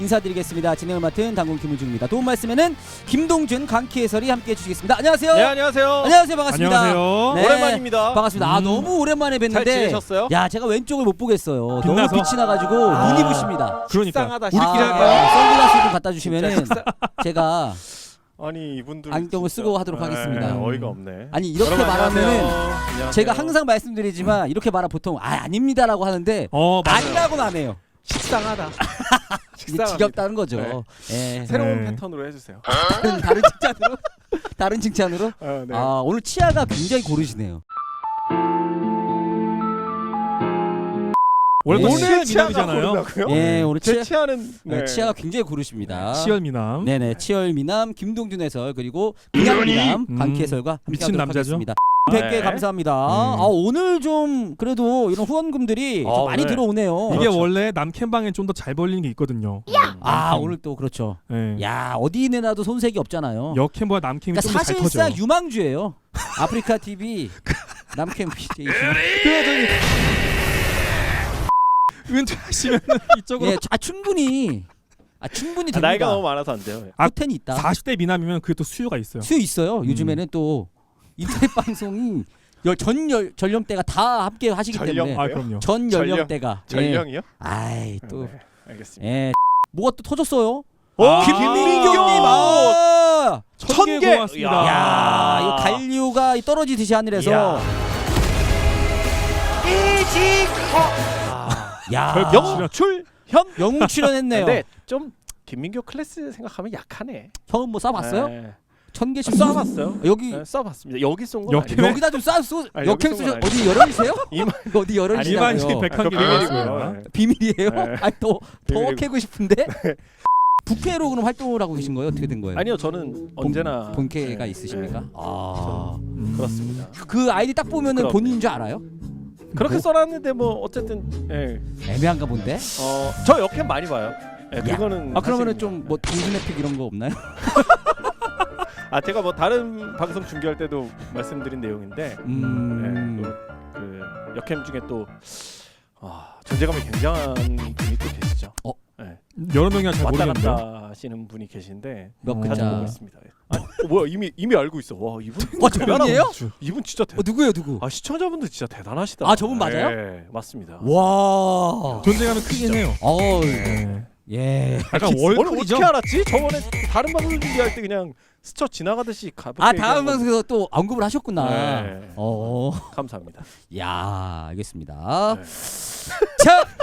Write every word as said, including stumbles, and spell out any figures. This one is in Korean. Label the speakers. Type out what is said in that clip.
Speaker 1: 인사드리겠습니다. 진행을 맡은 당군 김우중입니다. 도움 말씀에는 김동준, 강키 해설이 함께해 주시겠습니다. 안녕하세요.
Speaker 2: 네, 안녕하세요.
Speaker 1: 안녕하세요. 반갑습니다.
Speaker 2: 안녕하세요.
Speaker 1: 네,
Speaker 2: 오랜만입니다.
Speaker 1: 반갑습니다. 아
Speaker 2: 음.
Speaker 1: 너무 오랜만에 뵀는데
Speaker 2: 잘 지내셨어요?
Speaker 1: 야 제가 왼쪽을 못 보겠어요.
Speaker 3: 빛나서?
Speaker 1: 너무 빛이 나가지고
Speaker 2: 아.
Speaker 1: 눈이 부십니다.
Speaker 3: 그러니까
Speaker 2: 식상하다,
Speaker 3: 우리끼리
Speaker 1: 아,
Speaker 3: 할까요?
Speaker 1: 선글라스 좀 갖다 주시면은
Speaker 2: 식상-
Speaker 1: 제가
Speaker 2: 아니 이분들
Speaker 1: 안경을
Speaker 2: 진짜-
Speaker 1: 쓰고 하도록
Speaker 2: 네,
Speaker 1: 하겠습니다.
Speaker 2: 어이가 없네.
Speaker 1: 아니 이렇게
Speaker 2: 여러분,
Speaker 1: 말하면은
Speaker 2: 안녕하세요. 안녕하세요.
Speaker 1: 제가 항상 말씀드리지만 이렇게 말하면 보통 아 아닙니다라고 하는데
Speaker 3: 어 맞아요.
Speaker 1: 아니라고는 안 해요.
Speaker 2: 식상하다.
Speaker 1: 이게
Speaker 2: 식상합니다.
Speaker 1: 지겹다는 거죠. 예.
Speaker 2: 새로운
Speaker 3: 네.
Speaker 2: 패턴으로 해주세요.
Speaker 1: 다른, 다른 칭찬으로 다른 칭찬으로
Speaker 2: 아, 네.
Speaker 1: 아 오늘 치아가 굉장히 고르시네요.
Speaker 3: 원래 또
Speaker 1: 오늘
Speaker 3: 치열
Speaker 2: 치아가
Speaker 3: 미남이잖아요.
Speaker 2: 고르다고요?
Speaker 1: 예 오늘
Speaker 2: 제
Speaker 1: 치아
Speaker 2: 치아는
Speaker 1: 네.
Speaker 2: 네.
Speaker 1: 치아가 굉장히 고르십니다.
Speaker 3: 치열 미남.
Speaker 1: 네네 치열 미남 김동준 해설 그리고 그냥 미남
Speaker 3: 음.
Speaker 1: 강키 해설과
Speaker 3: 미친
Speaker 1: 함께하도록
Speaker 3: 남자죠.
Speaker 1: 하겠습니다.
Speaker 2: 네.
Speaker 1: 백 개 감사합니다.
Speaker 3: 음.
Speaker 1: 아 오늘 좀 그래도 이런 후원금들이 좀
Speaker 2: 아,
Speaker 1: 많이
Speaker 2: 네.
Speaker 1: 들어오네요.
Speaker 3: 이게
Speaker 2: 그렇죠.
Speaker 3: 원래 남캠방에 좀 더 잘 벌리는 게 있거든요.
Speaker 1: 아
Speaker 3: 음.
Speaker 1: 오늘 또 그렇죠.
Speaker 3: 네.
Speaker 1: 야 어디 내놔도 손색이 없잖아요.
Speaker 3: 여캠보다 남캠이
Speaker 1: 그러니까
Speaker 3: 좀 더 잘 터져.
Speaker 1: 사실상 유망주예요. 아프리카 티비 남캠 피제이.
Speaker 3: 그래 저기 은퇴하시면 이쪽으로
Speaker 1: 예, 아 충분히 아 충분히
Speaker 2: 아,
Speaker 1: 됩니다.
Speaker 2: 나이가 너무 많아서 안 돼요.
Speaker 3: 아,
Speaker 1: 포텐이 있다.
Speaker 3: 사십 대 미남이면 그게 또 수요가 있어요.
Speaker 1: 수요 있어요.
Speaker 3: 음.
Speaker 1: 요즘에는 또 인터넷 방송이 열, 전 열, 전령대가 다 함께 하시기
Speaker 2: 전령?
Speaker 1: 때문에
Speaker 3: 아 그럼요.
Speaker 1: 전
Speaker 2: 전령?
Speaker 1: 연령대가 예.
Speaker 2: 전령이요?
Speaker 1: 아이 또
Speaker 2: 네, 알겠습니다.
Speaker 1: 예. 뭐가 또 터졌어요?
Speaker 2: 오,
Speaker 3: 아,
Speaker 1: 김민경님 아!
Speaker 3: 천 개
Speaker 2: 천 개!
Speaker 3: 고맙습니다.
Speaker 2: 야.
Speaker 1: 야, 이거 간류가 떨어지듯이 하늘에서 야,
Speaker 3: 별
Speaker 2: 영웅 출현.
Speaker 1: 영웅 출연했네요.
Speaker 2: 근데 좀 김민교 클래스 생각하면 약하네.
Speaker 1: 형은 뭐 쏴봤어요?
Speaker 2: 네.
Speaker 1: 천 개씩
Speaker 2: 쏴봤어요.
Speaker 1: 여기
Speaker 2: 네, 쏴봤습니다. 여기 쏜 건
Speaker 3: 여기-
Speaker 2: 아니고.
Speaker 1: 여기다 좀 쏴.
Speaker 2: 아니,
Speaker 1: 역행
Speaker 2: 여기
Speaker 1: 쓰셔
Speaker 2: 쏜건
Speaker 1: 어디 열혈이세요?
Speaker 2: 이만
Speaker 1: 어디 열혈이시냐고요?
Speaker 3: 이만식
Speaker 2: 아,
Speaker 3: 백한 개
Speaker 2: 그거
Speaker 3: 비밀이고요.
Speaker 2: 비밀이고요. 네.
Speaker 1: 비밀이에요?
Speaker 2: 네.
Speaker 1: 아니 또더
Speaker 2: 비밀이고.
Speaker 1: 캐고 싶은데 부캐로 그럼 활동을 하고 계신 거예요? 어떻게 된 거예요?
Speaker 2: 아니요, 저는 언제나
Speaker 1: 본캐가
Speaker 2: 네.
Speaker 1: 있으십니까?
Speaker 2: 네.
Speaker 1: 아,
Speaker 3: 음.
Speaker 2: 그렇습니다.
Speaker 1: 그 아이디 딱 보면은
Speaker 2: 그럼요.
Speaker 1: 본인인 줄 알아요?
Speaker 2: 그렇게 써놨는데 뭐 어쨌든 예.
Speaker 1: 애매한가 본데.
Speaker 2: 어, 저 역캠 많이 봐요. 예,
Speaker 1: 야.
Speaker 2: 그거는
Speaker 1: 아 그러면은
Speaker 2: 사실입니다.
Speaker 1: 좀 뭐 동준의픽 이런 거 없나요?
Speaker 2: 아 제가 뭐 다른 방송 중계할 때도 말씀드린 내용인데
Speaker 1: 음.
Speaker 2: 예, 또 그 역캠 중에 또 아, 존재감이 굉장한 분이 또 계시죠.
Speaker 1: 어?
Speaker 2: 예.
Speaker 3: 여러 명이나 잘
Speaker 2: 왔다
Speaker 3: 모르겠는데요.
Speaker 2: 갔다 하시는 분이 계신데
Speaker 1: 몇
Speaker 3: 어.
Speaker 2: 자주
Speaker 1: 글자?
Speaker 2: 보고 있습니다. 예. 아, 어, 뭐야 이미 이미 알고 있어. 와 이분
Speaker 1: 어 저분이에요?
Speaker 2: 이분 진짜 대.
Speaker 1: 어 누구예요 누구?
Speaker 2: 아 시청자분들 진짜 대단하시다.
Speaker 1: 아, 저분 맞아요?
Speaker 2: 예, 맞습니다.
Speaker 1: 와.
Speaker 3: 존재감이 크긴 해요.
Speaker 1: 어.
Speaker 3: 네.
Speaker 1: 예.
Speaker 3: 약간
Speaker 2: 오늘
Speaker 3: 월클이죠.
Speaker 2: 어떻게 알았지? 저번에 다른 방송 준비할 때 그냥 스쳐 지나가듯이 가볍게
Speaker 1: 아
Speaker 2: 얘기한
Speaker 1: 다음
Speaker 2: 건데.
Speaker 1: 방송에서 또 언급을 하셨구나.
Speaker 2: 네.
Speaker 1: 어.
Speaker 2: 감사합니다.
Speaker 1: 야 알겠습니다.
Speaker 2: 네.
Speaker 1: 자